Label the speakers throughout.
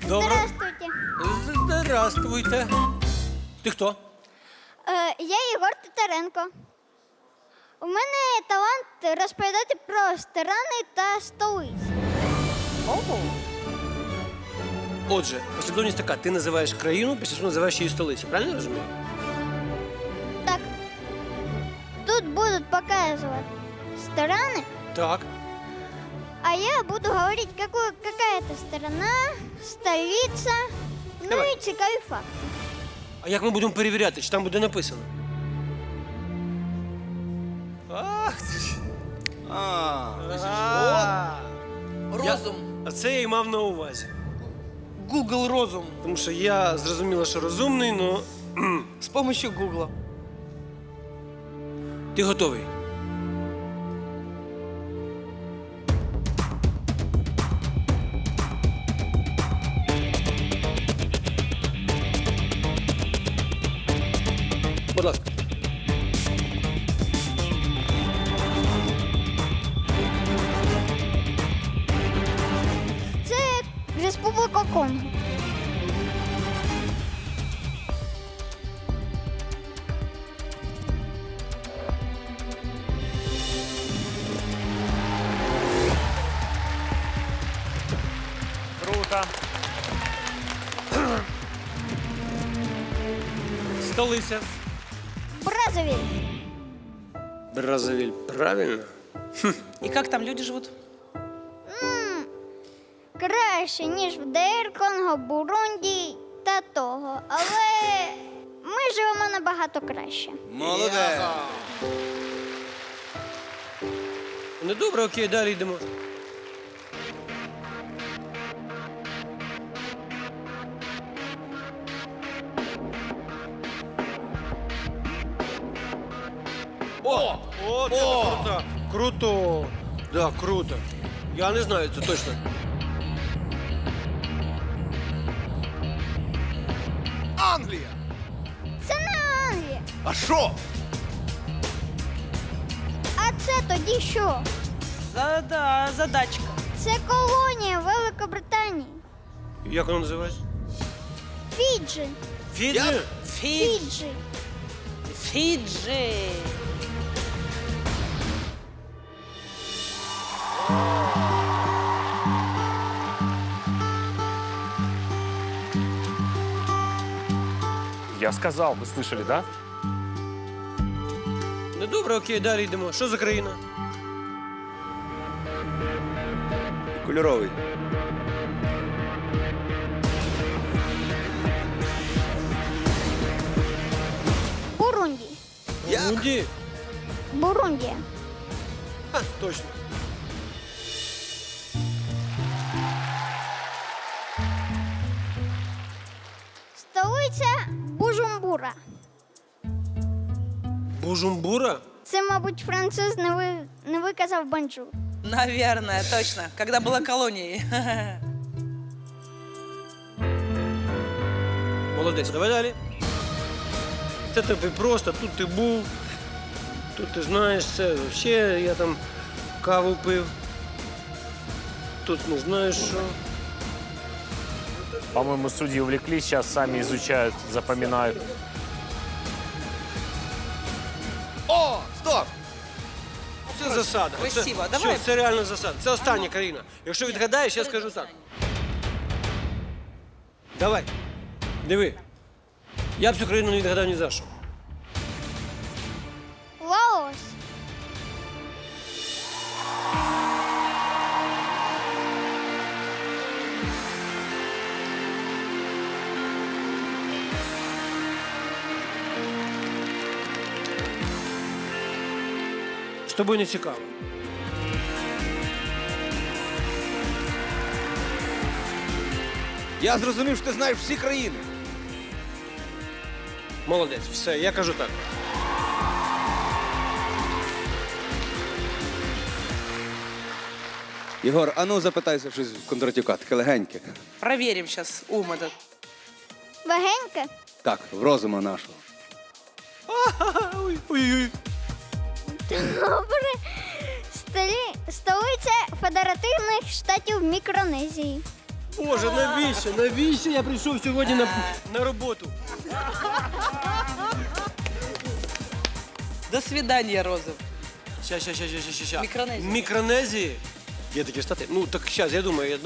Speaker 1: Здравствуйте.
Speaker 2: Здравствуйте. Ти хто?
Speaker 1: Я Єгор Титаренко. У мене талант розповідати про сторони та столиці.
Speaker 2: Отже, послідовність така. Ти називаєш країну, після цього називаєш її столицю. Правильно я розумію?
Speaker 1: Так. Тут будуть показувати сторони,
Speaker 2: Так.
Speaker 1: а я буду говорить, какая это сторона, столица, ну
Speaker 2: Давай.
Speaker 1: і цікаві факти.
Speaker 2: А як ми будемо перевіряти, чи там буде написано? Ах, ти ж.
Speaker 3: Розум.
Speaker 2: А це я й мав на увазі.
Speaker 3: Google розум.
Speaker 2: Тому що я зрозуміла, що розумний, но
Speaker 3: З помощью Гугла.
Speaker 2: ти готовий. Будь ласка.
Speaker 1: Це Республіка Конго.
Speaker 4: Круто.
Speaker 2: Столиця.
Speaker 1: Бразовіль.
Speaker 2: Бразовіль. Правильно?
Speaker 3: І як там люди живуть?
Speaker 1: Краще, ніж в ДР, Конго, Бурунді та того. Але ми живемо набагато краще.
Speaker 5: Молодець.
Speaker 2: Ну добре, окей, далі йдемо. О, це круто. Круто. Да, круто. Я не знаю, це точно.
Speaker 5: Англія.
Speaker 1: Це не Англія.
Speaker 5: А що?
Speaker 1: А це тоді що?
Speaker 3: Задачка.
Speaker 1: Це колонія Великобританії.
Speaker 2: Як воно називається?
Speaker 1: Фіджі.
Speaker 2: Фіджі?
Speaker 1: Фіджі.
Speaker 3: Фіджі.
Speaker 4: Я сказал, вы слышали, да?
Speaker 2: Ну добре, окей, далі йдемо. Що за країна?
Speaker 5: Кольоровий.
Speaker 1: Бурунді.
Speaker 2: Бурунді?
Speaker 1: Бурундія.
Speaker 2: Ха, точно.
Speaker 1: Столиця Бужумбура.
Speaker 2: Бужумбура?
Speaker 1: Це, мабуть, француз не виказав бонжур.
Speaker 3: Наверное, точно. Когда была колонией.
Speaker 2: Молодець, давай далі. Це тобі просто, тут ти був, тут ти знаєш це. Ще я там каву пив. Тут не знаєш що.
Speaker 4: По-моему, судьи увлеклись, сейчас сами изучают, запоминают.
Speaker 5: О, стоп!
Speaker 2: Це засада.
Speaker 3: Красиво,
Speaker 2: Це,
Speaker 3: давай.
Speaker 2: Все, це реально засада. Це остання країна. Якщо відгадаєш, я скажу так. Давай. Диви. Я б цю країну не відгадав ні за що.
Speaker 1: Лаос.
Speaker 2: З тобою не цікаво.
Speaker 5: Я зрозумів, що ти знаєш всі країни.
Speaker 2: Молодець, все, я кажу так.
Speaker 5: Єгор, а ну запитайся щось в Кондратюка, таке легеньке.
Speaker 3: Проверим сейчас ум этот.
Speaker 1: Легеньке.
Speaker 5: Так, в розуму нашого.
Speaker 2: Ой-ой-ой.
Speaker 1: Добре. Столиця Федеративних Штатів Мікронезії.
Speaker 2: Боже, навіщо? Навіщо я прийшов сьогодні на роботу?
Speaker 3: До свидания, Роза.
Speaker 2: Ща.
Speaker 3: Мікронезія.
Speaker 2: Мікронезії? Є такі штати? Ну, так зараз, я думаю.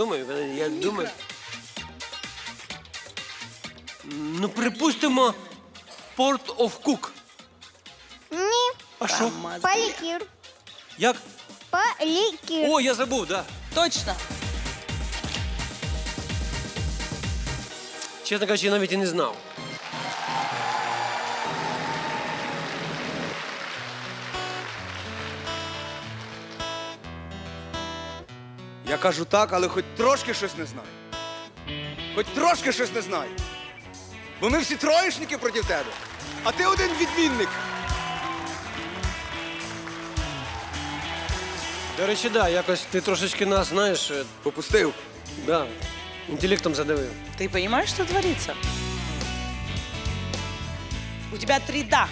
Speaker 2: Ну, припустимо, Port of Cook.
Speaker 1: Ні,
Speaker 2: А що?
Speaker 1: палікір.
Speaker 2: Як?
Speaker 1: Палікір.
Speaker 2: О, я забув, да.
Speaker 3: Точно.
Speaker 2: Чесно кажучи, я навіть і не знав.
Speaker 5: Я кажу так, але хоч трошки щось не знаю. Хоч трошки щось не знаю. Бо ми всі троєшники проти тебе, а ти один відмінник.
Speaker 2: До речі, да, якось ти трошечки нас, знаєш,
Speaker 5: Попустив.
Speaker 2: да, інтелектом задавив.
Speaker 3: Ты понимаешь, что творится? У тебя 3 «да».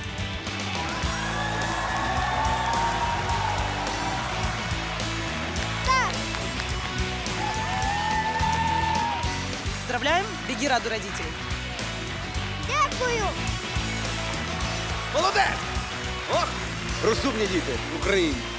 Speaker 3: Поздравляем, беги раду родителей.
Speaker 1: Дякую.
Speaker 5: Молодець! Ох, розумні діти в Україні.